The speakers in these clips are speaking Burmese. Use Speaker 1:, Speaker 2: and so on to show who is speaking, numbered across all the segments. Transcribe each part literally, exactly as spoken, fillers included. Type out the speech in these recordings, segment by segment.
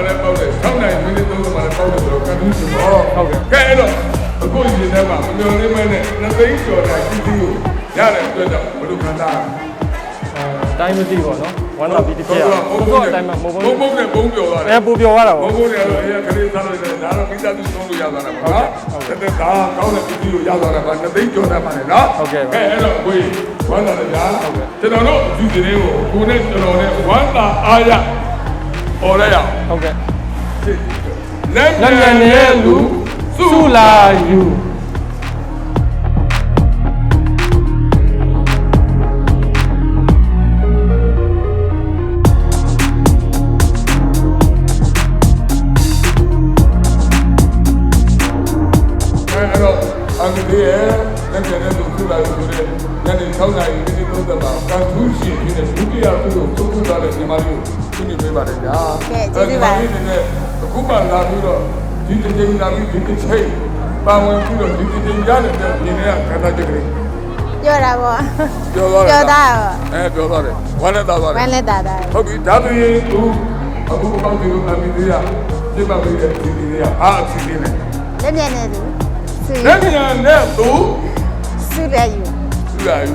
Speaker 1: လည်းပေါက်တယ်၆နိုင်မိနစ်သုံးမှာလည်းပေါက်တယ်ဆိုတော့ကန်တူးစီတော့ဟုတ်ကဲ့ကဲအဲ့တော့အခုဒီထဲမှာမမျော်လင့်မဲနဲ့နှစ်သိန်းကျော်တိုင်းပြည်သူကိုရတဲ့အတွက်ကြောင့်ဘယ်လိုခံစား
Speaker 2: အဲတိုင်းမသိပေါ့နော်ဝမ်းသာပြီးတစ်ချက်ရဘုံဘုံအတိုင်းမှာဘုံဘုံ
Speaker 1: ဘုံဘုံနဲ့ဘုံပြောသွားတယ်
Speaker 2: အဲပူပြောသွားတာပေါ့
Speaker 1: ဘုံဘုံနဲ့တော့အဲခလေးစားလို့ရတယ်ဒါတော့မိသားစုသုံးလို့ရသွားတာပေါ့နော်ဟုတ်ကဲ့ဒါကောင်းတဲ့ပြည်သူကိုရသွားတာပါနှစ်သိန်းကျော်တိုင်းမှာလေနော်
Speaker 2: ဟုတ်ကဲ့
Speaker 1: ကဲအဲ့တော့ကိုကြီးဝမ်းသာတယ်ဗျာဟုတ်ကဲ့ကျွန်တော်တို့ဒီဒီလေးကိုကိုနဲ့ကျွန်တော်နဲ့ဝမ်းသာအားရဟော်ရရအောင်
Speaker 2: ဟုတ်ကဲ့
Speaker 1: လက်မြန်တဲ့လူစုလာယူအမေရဲ့လက်ကျန်တဲ့လူစုလာယူတဲ့ညနေ၆နာရီမိနစ်သုံးဆယ်မှာကန်ထူးရှင်ဖြစ်တဲ့ဒုတိယသူ့ကိုသုံးခုသားတဲ့ညီမလေးကိုရှင်းပြပေးပါတယ်ဗျာ
Speaker 3: ကဲကျေးဇူးပါ
Speaker 1: ဒီနေ့အခုမှလာပြီးတော့ဒီတစ်ချိန်လာပြီးဒီတစ်ချိန်ပါဝင်ပြီးတော့ဒီတစ်ချိန်ရတဲ့ဒီနေ့ကခန္ဓာချက်ကလေး
Speaker 3: ပြောတာပေါ့
Speaker 1: ပြောသွားတယ်
Speaker 3: ပြောတာ
Speaker 1: အဲပြောသွားတယ်ဝမ်းနဲ့သားသွားတယ်
Speaker 3: ဝမ်းနဲ့သားတာ
Speaker 1: ဟုတ်ပြီဒါဆိုရင်သူအခုပေါင်းပြီးတော့အမေသေးရပြတ်ပါပြီတဲ့ဒီဒီလေးကအားအစီအစဉ်နဲ့
Speaker 3: လက်မြန်နေသူ
Speaker 1: လက်မြန်နဲ့သူ
Speaker 3: စုရယူ
Speaker 1: စုရယူ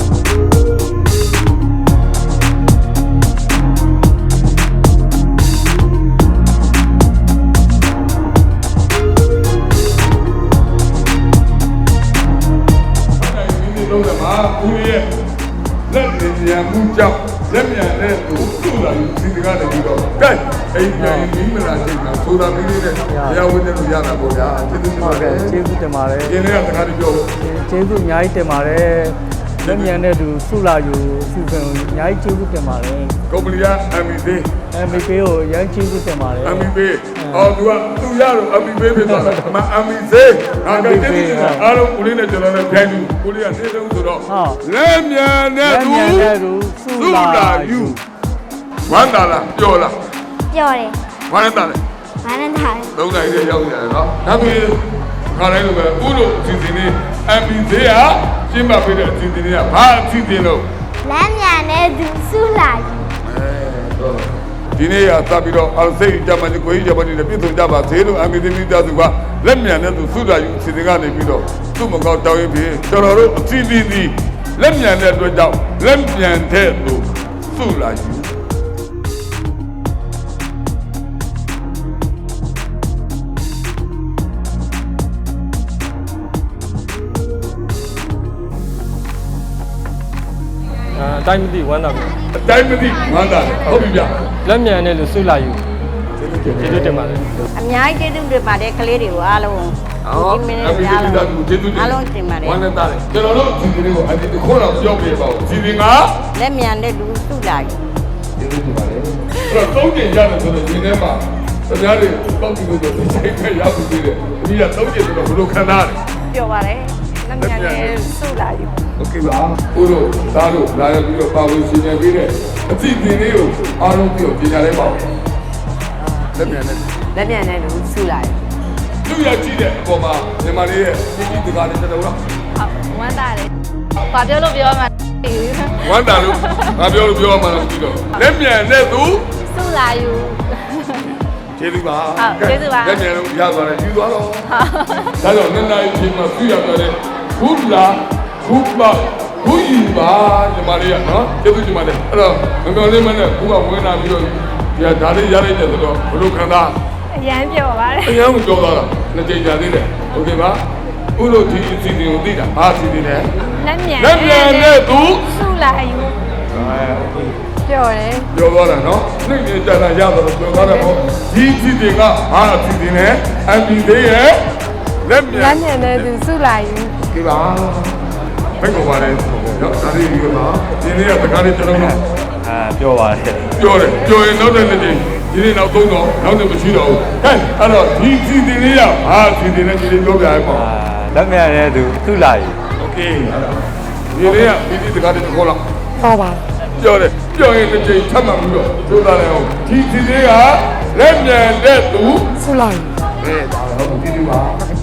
Speaker 1: လုံးကမှာဦးရဲ့လက်မြန်မှုကြောင့်လက်မြန်တဲ့သူစုလာယူဒီတကားတည်းတော့ကဲအိမ်ပြန်ပြီးမလားချိန်မှာဆိုတာမီးလေးနဲ့တရားဝင်တယ်လို့ရတာပေါ့ဗျာကျေးဇူးတင်ပါတယ်
Speaker 2: ကျေးဇူးတင်ပါတယ်
Speaker 1: ဒီနေ့ကတကားတည်းပြော
Speaker 2: ကျေးဇူးအများကြီးတင်ပါတယ်လက်မြန်တဲ့သူစုလာယူစီစဉ်အများကြီးကျေးဇူးတင်ပါတယ်
Speaker 1: ကုမ္ပဏီက အမ် ဘီ ပေး
Speaker 2: အမ် ဘီ ပေးကိုအများကြီးကျေးဇူးတင်ပါတယ်
Speaker 1: အမ် ဘီ ပေးအော်သူကသူရတော့ အမ် ဘီ ပေးဖြစ်သွားတာအမ အမ် ဘီ သေးငါကကျေးဇူးတင်အားလုံးကိုလေးနဲ့ကျွန်တော်နဲ့ပြန်ပြီးကိုလေးကနေဆုံးဆိုတော့လက်မြန်တဲ့သူ
Speaker 2: စုလာယူ
Speaker 1: ဝမ်းသာလားပြောလား
Speaker 3: ပြောတယ်
Speaker 1: ဝမ်းသာတယ်
Speaker 3: ဝမ်းနဲ့သား
Speaker 1: သုံးနိုင်တဲ့ရောက်နေတယ်နော်ဒါပြီးခါတိုင်းလိုပဲဥလို့အစီအစဉ်လေး အမ် ဘီ သေးကရှင်းပါပေးတဲ့အစီအစဉ်လေးကဘာအစီအစဉ်လို့
Speaker 3: လက်မြန်တဲ့သူစုလာယူ
Speaker 1: ဒီနေ့ရသပြီးတော့အောင်စိတ်ကြမ်းမှကိုကြီးကြမ်းမှနဲ့ပြည့်စုံကြပါသေးလို့အမေသမီးသားစုကလက်မြန်တဲ့သူစုလာယူစီစဉ်ကနေပြီးတော့သူ့မကောက်တောင်းရင်ပြီးကျွန်တော်တို့အစီအစဉ်ဒီလက်မြန်တဲ့အတွက်ကြောင့်လက်မြန်တဲ့သူစုလာယူ
Speaker 2: အတိုင်းမသိဝမ်းသာပြီ
Speaker 1: အတိုင်းမသိဝမ်းသာတယ်ဟုတ်ပြီဗျ
Speaker 2: လက်မြန်တဲ့လူစုလာယူကျေးဇူးတင်ပါတယ်
Speaker 3: အများကြီးကျေးဇူးတင်ပါတယ်ကလေးတွေကိုအားလုံး
Speaker 1: ဒီမင်းတွေအားလုံးကျေးဇူးတင်
Speaker 3: အားလုံးတင်ပါတယ်
Speaker 1: ဝမ်းသာတယ်ကျွန်တော်တို့ဒီလေးကိုအဒီတစ်ခေါက်တော့ပြောပြပါဦးဒီရင်က
Speaker 3: လက်မြန်တဲ့လူစုလာယူ
Speaker 1: ကျေးဇူးတင်ပါတယ်အဲ့တော့သုံးကျင်ရတယ်ဆိုတော့ဒီထဲမှာတရားတွေတောက်ပြီးလို့ဒီချိန်မဲ့ရောက်ပြီးတယ်ဒီကသုံးကျင်ဆိုတော့ဘယ်လိုခံစားရလဲ
Speaker 3: ပြောပါတယ်လက်မြန်တဲ့စုလာယူ
Speaker 1: โอเคပါဦးတို့သားတို့လာရပြီးတော့ပါဝင်ရှင်နေပြီးတဲ့အသည့်တင်လေးကိုအားလုံးပြီးတော့ပြင်ညာလိုက်ပါဦးလက်မြန်နဲ့
Speaker 3: လက်မြန်နဲ့လူစုလာယူ
Speaker 1: သူရကြည့်တဲ့အပေါ်မှာမြန်မာလေးရဲ့ပြည်ပြည်တကားနဲ့တော်တော်လား
Speaker 3: ဟုတ်ဝမ်းသာတယ်ဘာပြောလို့ပြောမှ
Speaker 1: ဝမ်းသာလို့ငါပြောလို့ပြောမှလည်းပြီးတော့လက်မြန်နဲ့သူ
Speaker 3: စုလာယူ
Speaker 1: ကျေးဇူးပါ
Speaker 3: ဟုတ်ကျေးဇူးပါ
Speaker 1: လက်မြန်လို့ရသွားတယ်ယူသွားတော့ဒါကြောင့်နှစ်နာရီချိန်မှာပြရပြတယ်ခုလာခုပါခုယူပါညီမလေးကနော်ကျေးဇူးညီမလေးအဲ့တော့ငေါ်လေးမနဲ့ခုကဝင်လာပြီးတော့ဒီကဒါလေးရလိုက်တယ်ဆိုတော့ဘလို့ခံစား
Speaker 3: အရန်ပြောပါတယ်
Speaker 1: အရန်ကိုပြောသွားတာနှစ်ကြိမ်ကြာသေးတယ်โอเคပါဥလို့ဒီအစီအစဉ်ကိုသိတာဘာအစီအစဉ်လဲ
Speaker 3: လက်မြန်
Speaker 1: လက်မြန်နဲ့သူ
Speaker 3: စုလာယူပြောတယ်
Speaker 1: ပြောသွားတာနော်နှိမ့်နေကြတာရတော့ပြောသွားတယ်ပေါ့ဒီအစီအစဉ်ကဘာအစီအစဉ်လဲအမ် ဘီ သေးရဲ့လက်မြန်
Speaker 3: လက်မြန်နဲ့သူစုလာယူ
Speaker 1: โอเคပါဘယ်ကိုပါလဲနော်ဒါလေးဒီမှာဒီနေ့ကတကားလေးကျွန်တော်တို့
Speaker 2: အာပြောပါတယ်
Speaker 1: ပြောတယ်ပြောရင်နောက်တဲ့နေ့ဒီနေ့နောက်သုံးတော့နောက်နေ့မရှိတော့ဘူးဟဲ့အဲ့တော့ဒီစီတင်လေးရဟာစီတင်လေးဒီလေးပြောပြရအောင်
Speaker 2: လက်မြန်တဲ့သူသူ့လာယူ
Speaker 1: โอเคဒီနေ့ကဒီဒီတကားလေးခေါ်လာ
Speaker 3: ဟုတ်ပါ
Speaker 1: ပြောတယ်ပြောရင်တစ်ချိန်ထပ်မှပြီးတော့ကြိုးစားတယ်အောင်ဒီစီလေးကလက်မြန်တဲ့သူ
Speaker 3: စုလာယူ
Speaker 1: အဲဒါတော့ဒီဒီပါ